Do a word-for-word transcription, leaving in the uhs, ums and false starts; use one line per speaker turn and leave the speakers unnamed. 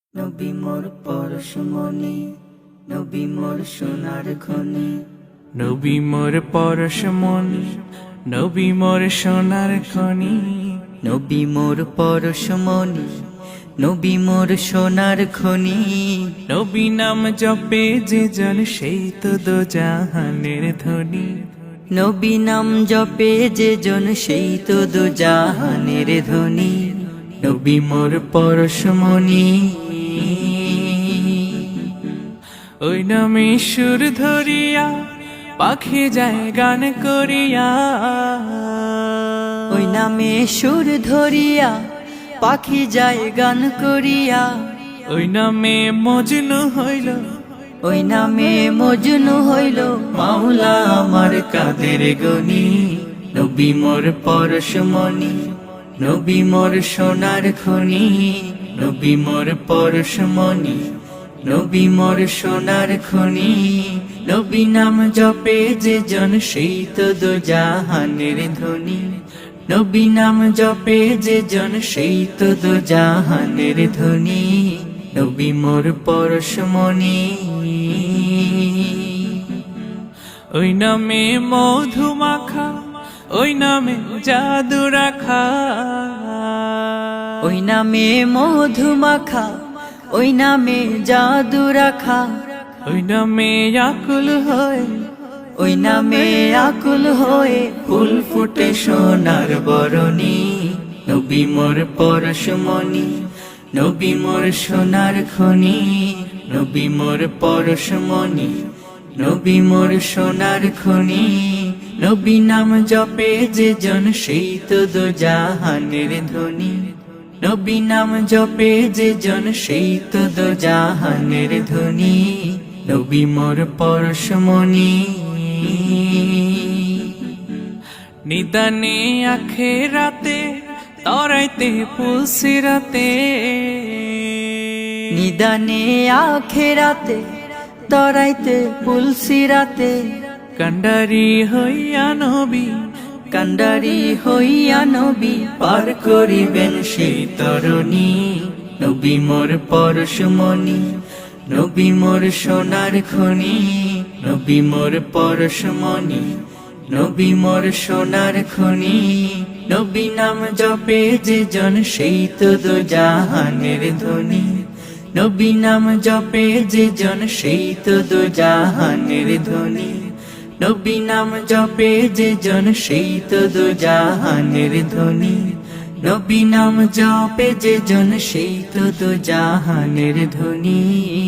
নবী মোর পরশমণি, নবী মোর সোনার খনি,
নবী মোর পরশমণি, নবী মোর সোনার খনি।
নবী মোর পরশমণি, নবী মোর সোনার খনি।
নবী নাম জপে যে জন সেই তো দো জাহানের ধনী।
নবী নাম জপে যে জন সেই তো দু জাহানের ধনী।
নবী মোর পরশমণি, ওই নামে সুর ধরিয়া পাখি যায় গান করিয়া।
ওই নামে সুর ধরিয়া পাখি যায় গান করিয়া।
ওই নামে মজনু হইল,
ওই নামে মজনু হইল মাওলা আমার কাদের গনি। নবী মোর পরশমণি, নবী মোর সোনার খনি, নবী মোর পরশমণি, নবী মোর সোনার খনি। নবী নাম জপে যে জন সেই তো দো জাহানের ধনী। নবী নাম জপে যে জন সেই তো দো জাহানের ধনী। নবী মোর পরশমণি,
ওই নামে মধু মাখা, ওই নামে জাদু রাখা।
ওই নামে মধু মাখা, ওই নামে জাদু রাখা।
ওই নামে আকুল হয়,
ওই নামে আকুল হয়ে ফুল ফুটে সোনার বরণী। নবী মোর পরশমণি, নবী মোর সোনার খনি, নবী মোর পরশমণি, নবী মোর সোনার খনি। নবী নাম জপে যে জন সেই তো দো জাহানের ধনী। নবী নাম জপে যে জন সেই তো দো জাহানের ধনী। নবী মোর পরশমণি,
নিদানে আখে রাতে তরাইতে পুলসিরাতে।
নিদানে আখেরাতে তরাইতে পুলসিরাতে।
কান্ডারি হইয়া নবী,
কান্ডারি হইয়া নবী পার করিবেন সেই তরণী। নবী মোর পরশমণি, নবী মোর সোনার খনি, নবী মোর পরশমণি, নবী মোর সোনার খনি। নবী নাম জপে যে জন সেই তো দো জাহানের ধনী। নবী নাম জপে যে জন সেই তো দো জাহানের ধনী। নবী নাম জপে যে জন সেই তো দো জাহানের ধনী। নবী নাম জপে যে জন সেই তো দো জাহানের ধনী।